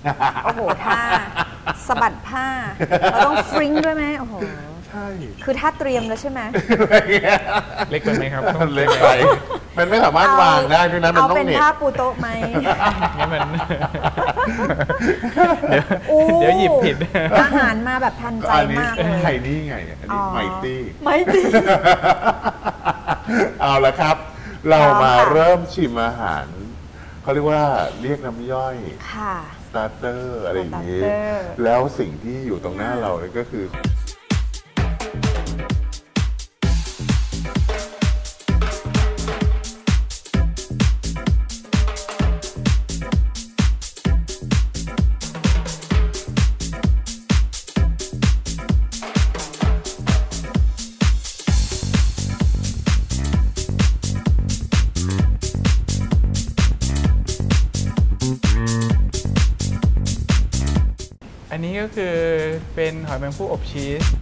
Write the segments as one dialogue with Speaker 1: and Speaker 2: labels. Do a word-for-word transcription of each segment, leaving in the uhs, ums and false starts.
Speaker 1: โอ้โหท่าสะบัดผ้าเราต้องฟริ้งด้วยไหมโอ้โห
Speaker 2: ใช่
Speaker 1: คือถ้าเตรียมแล้วใช่ไหม
Speaker 3: เล็กไปไหมครับ
Speaker 2: เล็กไปมันไม่สามารถวางได้ด้วยนะมันต้อง
Speaker 1: เอาเป็นผ้าปูโต๊ะไหม
Speaker 3: งั้นมันเดี๋ยวหยิบผิด
Speaker 1: อาหารมาแบบทันใจมากเลย
Speaker 2: ไข่นี่ไงอันนี้ไมตี้
Speaker 1: ไมตี้
Speaker 2: เอาละครับเรามาเริ่มชิมอาหารเขาเรียกว่าเรียกน้ำย่อย
Speaker 1: ค่ะ
Speaker 2: สตาร์เตอร์อะไรอย่างนี้แล้วสิ่งที่อยู่ตรงหน้าเราเนี่ยก็คือ
Speaker 3: อันนี้ก็คือเป็นหอยแมงภู่อบชีส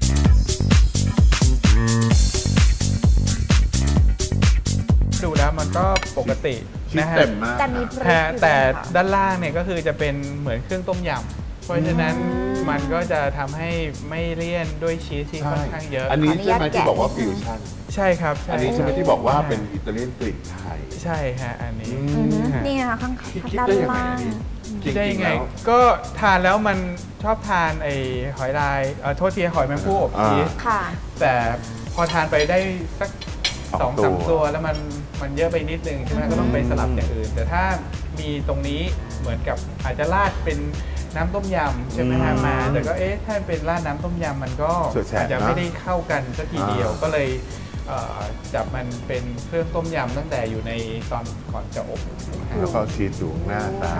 Speaker 3: ดูแล้วมันก็ปกตินะฮะ
Speaker 1: แต่มี
Speaker 3: แต่ด้านล่างเนี่ยก็คือจะเป็นเหมือนเครื่องต้มยำเพราะฉะนั้นมันก็จะทำให้ไม่เลี่ยนด้วยชีสที่ค่อนข้างเยอะ
Speaker 2: อันนี้ใช่ไหมที่บอกว่าฟิวชั่น
Speaker 3: ใช่ครับ
Speaker 2: อันนี้ใช่ไหมที่บอกว่าเป็นอิตาเลียนกลิ่นไทย
Speaker 3: ใช่ฮะอันนี้
Speaker 1: นี่ค่ะข้างด้านล่าง
Speaker 3: คิดได้ยังไงก็ทานแล้วมันชอบทานไอ้หอยลายเออโทษทีหอยแมงภู่อบชีสแต่พอทานไปได้สักสองสามตัวแล้วมันมันเยอะไปนิดนึงใช่ไหมก็ต้องไปสลับอย่างอื่นแต่ถ้ามีตรงนี้เหมือนกับอาจจะราดเป็นน้ำต้มยำใช่ไหมฮะมาแต่ก็เอ๊ะถ้าเป็นราดน้ำต้มยำมันก็อาจจะไม่ได้เข้ากันสักทีเดียวก็เลยจับมันเป็นเครื่องต้มยำตั้งแต่อยู่ในตอนก่อนจะอบ
Speaker 2: แล้วก็ชีสอยู่หน้าตา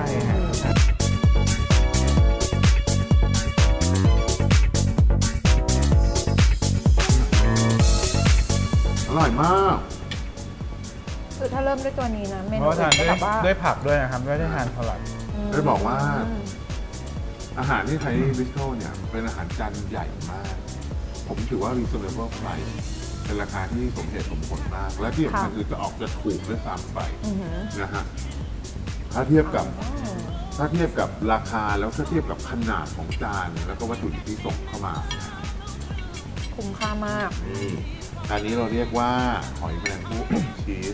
Speaker 2: อร่อยมาก
Speaker 1: คือถ้าเริ่มด้วยตัวนี้นะเมนู
Speaker 3: ทานด้วยผักด้วยนะครับไม่ได้ทานสลัด
Speaker 2: ได้บอกว่าอาหารที่ไทยบิสโตรเนี่ยเป็นอาหารจานใหญ่มากผมถือว่า reasonable price เป็นราคาที่สมเหตุสมผลมากและที่สำคัญคือจะออกจะถูกด้วยซ้ำไปนะฮะถ้าเทียบกับถ้าเทียบกับราคาแล้วถ้าเทียบกับขนาดของจานแล้วก็วัตถุดิบที่ส่งเข้ามา
Speaker 1: คุ้มค่ามาก
Speaker 2: อันนี้เราเรียกว่าหอยแมลงภู่อบชีส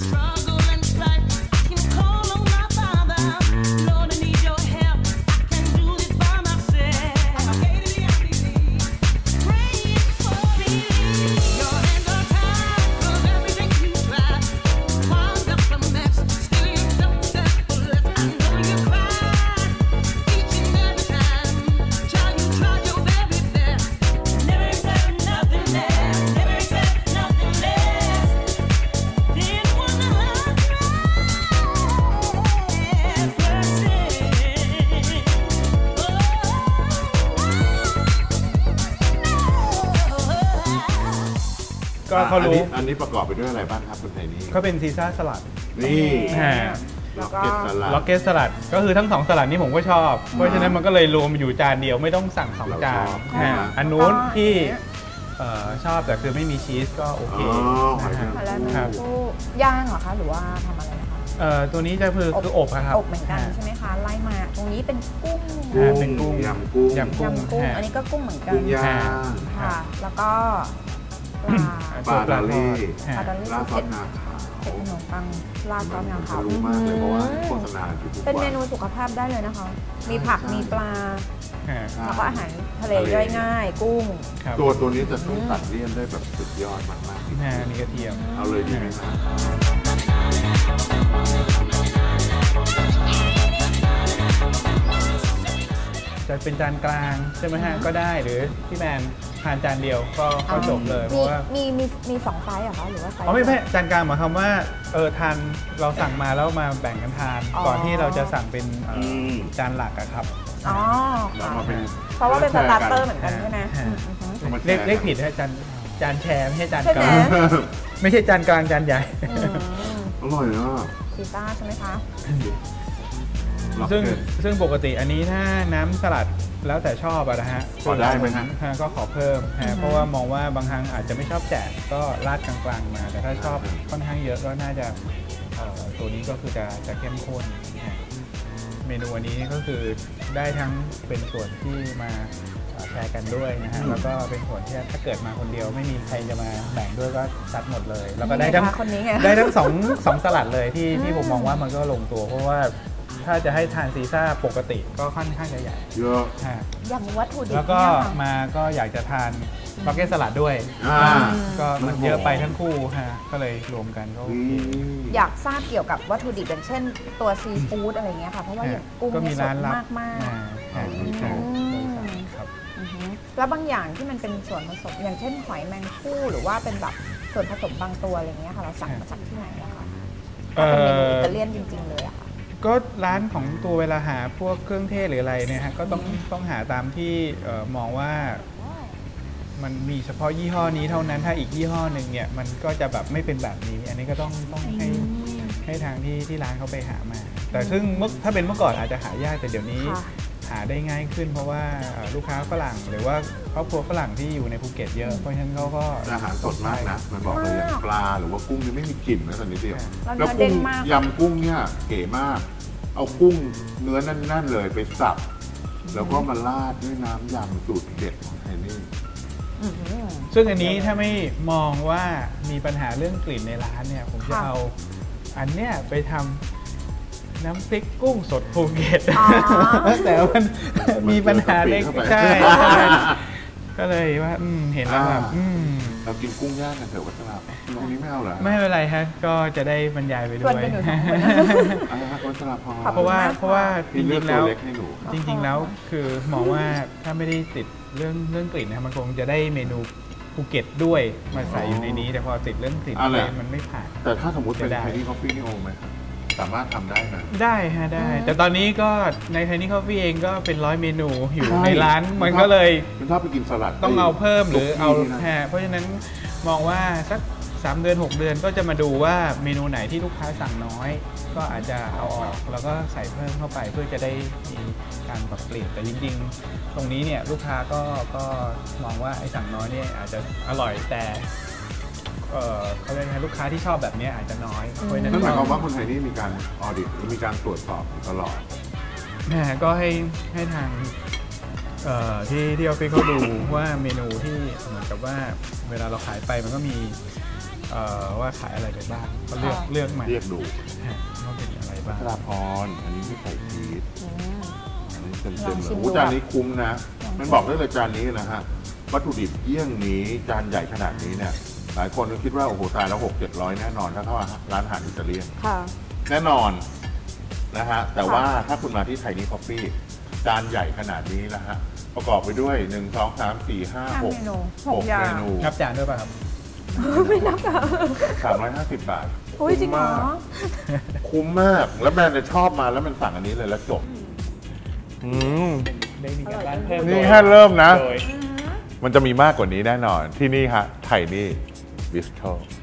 Speaker 3: ก็เขารู้
Speaker 2: อันนี้ประกอบไปด้วยอะไรบ้างครับคนไทยนี่
Speaker 3: ก็เป็นซีซ่าสลัด
Speaker 2: นี่
Speaker 3: ล็อกเก็ตสลัดล็อกเก็ตสลัดก็คือทั้งสองสลัดนี้ผมก็ชอบเพราะฉะนั้นมันก็เลยรวมอยู่จานเดียวไม่ต้องสั่งสองจานอันนู้นที่ชอบแต่คือไม่มีชีสก็โอเค
Speaker 1: ครับย่างเหรอคะหรือว่าทำอะไรนะคะ
Speaker 3: ตัวนี้จะคือคืออบครับ
Speaker 1: อบเหมือนกันใช่ไหมคะไล่มาตรงนี้เป็นกุ้ง
Speaker 3: เป็นกุ้ง
Speaker 2: ยำกุ้ง
Speaker 3: ยำกุ้ง
Speaker 1: อันนี้ก็กุ้งเหมือนกันค่ะแล้วก็
Speaker 2: ปลาดอลลี่
Speaker 1: ปลาดอลลี่
Speaker 2: ราดซอสงาขาว
Speaker 1: เป็นขนมปังราดซอสงาขาว
Speaker 2: รู้มากเลยเพราะว่าโฆษณาอยู่ทุกวัน
Speaker 1: เป็นเมนูสุขภาพได้เลยนะคะมีผักมีปลาแล้วก็อาหารทะเลย่อยง่ายกุ้ง
Speaker 2: ตัวตัวนี้จะช่วยตัดเลี่ยนได้แบบสุดยอดมากมาก
Speaker 3: นี่กระเทียม
Speaker 2: เอาเลยดีไหมครับ
Speaker 3: จะเป็นจานกลางใช่ไหมฮะก็ได้หรือพี่แมนทานจานเดียวก็ก็จบเลยเพราะว่า
Speaker 1: มีมีมีสองไซส์เหรอคะหรือว่าไซส์
Speaker 3: อ๋อไม่ไม่จานกลางหมายความว่าเออทานเราสั่งมาแล้วมาแบ่งกันทานก่อนที่เราจะสั่งเป็นจานหลักอะครับ
Speaker 1: อ๋อเพราะว่าเป็นสตาร์เตอร์เหมือนกันใช่ไหม
Speaker 3: เรียกเรียกผิดให้จานจานแชร์ไม่ใช่จานกลางไม่ใช่จานกลางจานใหญ่
Speaker 2: อร่อยเนาะ
Speaker 1: ซีซ่าใช่ไหมคะ
Speaker 3: ซึ่งซึ่งปกติอันนี้ถ้าน้ำสลัดแล้วแต่ชอบอะนะฮะ
Speaker 2: ขอได้ไหมฮะ
Speaker 3: ก็ขอเพิ่มฮะเพราะว่ามองว่าบางครั้งอาจจะไม่ชอบแจกก็ราดกลางๆมาแต่ถ้าชอบค่อนข้างเยอะก็น่าจะตัวนี้ก็คือจะจะเข้มข้นเมนูอันนี้ก็คือได้ทั้งเป็นส่วนที่มาแชร์กันด้วยนะฮะแล้วก็เป็นส่วนที่ถ้าเกิดมาคนเดียวไม่มีใครจะมาแบ่งด้วยก็ซัดหมดเลยแล้วก็ได้ทั้งได้ทั้งสองสองสลัดเลยที่ที่ผมมองว่ามันก็ลงตัวเพราะว่าถ้าจะให้ทานซีซ่าปกติก็ค่อนข้างจะใหญ่
Speaker 2: เยอะ
Speaker 1: อย่างวัตถุดิบ
Speaker 3: แล้วก็มาก็อยากจะทานบักเก็ตสลัดด้วยก็มันเยอะไปทั้งคู่ฮะก็เลยรวมกันก็
Speaker 1: อยากทราบเกี่ยวกับวัตถุดิบอย่างเช่นตัวซีฟู้ดอะไรเงี้ยค่ะเพราะว่าอย่างกุ้งมีสดมากมากแล้วบางอย่างที่มันเป็นส่วนผสมอย่างเช่นหอยแมงภู่หรือว่าเป็นแบบส่วนผสมบางตัวอะไรเงี้ยค่ะเราสั่งมาจากที่ไหนอะคะเป็นเมนูอิตาเลียนจริงๆเลยอะค่ะ
Speaker 3: ก็ร้านของตัวเวลาหาพวกเครื่องเทศหรืออะไรเนี่ยฮะก็ต้องต้องหาตามที่มองว่ามันมีเฉพาะยี่ห้อนี้เท่านั้นถ้าอีกยี่ห้อหนึ่งเนี่ยมันก็จะแบบไม่เป็นแบบนี้อันนี้ก็ต้องต้องให้ให้ทางที่ที่ร้านเขาไปหามาแต่ซึ่งเมื่อถ้าเป็นเมื่อก่อนอาจจะหายากแต่เดี๋ยวนี้หาได้ง่ายขึ้นเพราะว่าลูกค้าฝรั่งหรือว่าครอบครัวฝรั่งที่อยู่ในภูเก็ตเยอะเพราะฉะนั้นเขาก็
Speaker 2: อาหารสดมากนะมันบอกเลยอย่างปลาหรือว่ากุ้งนี่ไม่มีกลิ่นนะตอนนี้เดียวแล้วกุ้งยำกุ้งเนี่ยเก๋มากเอากุ้งเนื้อนั่นๆเลยไปสับแล้วก็มาราดด้วยน้ำยำสูตรเด็ดของไทนี่
Speaker 3: ซึ่งอันนี้ถ้าไม่มองว่ามีปัญหาเรื่องกลิ่นในร้านเนี่ยผมจะเอาอันเนี้ยไปทำน้ำพริกกุ้งสดภูเก็ตแต่มันมีปัญหาเล็กใช่ก็เลยว่าเห็นแล้วแบบ
Speaker 2: เรากินกุ้งย่างกันเถอะวัชราตรงนี้ไม่เอาเหรอ
Speaker 3: ไม่เป็นไรฮะก็จะได้บรรยายไปด้วย
Speaker 2: วัชราพอ
Speaker 3: เพราะว่าเพราะว่าจริงๆแล้วจริงๆแล้วคือมองว่าถ้าไม่ได้ติดเรื่องเรื่องกลิ่นนะมันคงจะได้เมนูภูเก็ตด้วยมาใส่อยู่ในนี้แต่พอติดเรื่องกลิ่นมันไม่ผ่าน
Speaker 2: แต่ถ้าสมมติเป็นไทนี่คอฟฟี่นี่โอไหมสามารถทำได้ไหม
Speaker 3: ได้ฮะได้แต่ตอนนี้ก็ในไทนี่คอฟฟี่เองก็เป็นร้อยเมนูอยู่ในร้านมันก็เลย
Speaker 2: คุณชอบไปกินสลัด
Speaker 3: ต้องเอาเพิ่มหรือเอาแค่เพราะฉะนั้นมองว่าสักสามเดือนหกเดือนก็จะมาดูว่าเมนูไหนที่ลูกค้าสั่งน้อยก็อาจจะเอาออกแล้วก็ใส่เพิ่มเข้าไปเพื่อจะได้มีการปรับเปลี่ยนแต่จริงๆตรงนี้เนี่ยลูกค้าก็ก็มองว่าไอ้สั่งน้อยเนี่ยอาจจะอร่อยแต่เขาเรียกไงลูกค้าที่ชอบแบบนี้อาจจะน้อยเพราะฉะนั้น
Speaker 2: นั่นหมายความว่าคนไทยนี่มีการออดิตหรือมีการตรวจสอบตลอด
Speaker 3: นะก็ให้ให้ทางที่ที่ออฟฟิศเขาดูว่าเมนูที่เหมือนกับว่าเวลาเราขายไปมันก็มีว่าขายอะไรไปบ้างก็เลือกเลือกมา
Speaker 2: เรียกดู
Speaker 3: ว่าเป็นอะไรบ้าง
Speaker 2: ธราพรอันนี้ไม่ใส่ชีสอันนี้เต็มเต็มเลยจานนี้คุ้มนะมันบอกได้เลยจานนี้นะฮะวัตถุดิบเยี่ยงนี้จานใหญ่ขนาดนี้เนี่ยหลายคนก็คิดว่าโอ้โหตายแล้วหกเจ็ดร้อยแน่นอนถ้าเข้าร้านอาหารอิตาเลียนแน่นอนนะฮะแต่ว่าถ้าคุณมาที่ไทนี่คอฟฟี่จานใหญ่ขนาดนี้นะฮะประกอบไปด้วยหนึ่ง สอง สาม สี่ ห้า หก หกเมนู
Speaker 3: นับจานด้วยป่ะครับ
Speaker 1: ไม่นับค่ะ
Speaker 2: สามร้อยห้าสิบบาท
Speaker 1: โอ้ยจริงเหรอ
Speaker 2: คุ้มมากแล้วแบรนด์จะชอบมาแล้วมันสั่งอันนี้เลยแล้วจบอืมนี่แค่เริ่มนะมันจะมีมากกว่านี้แน่นอนที่นี่ฮะไทนี่บิสโตร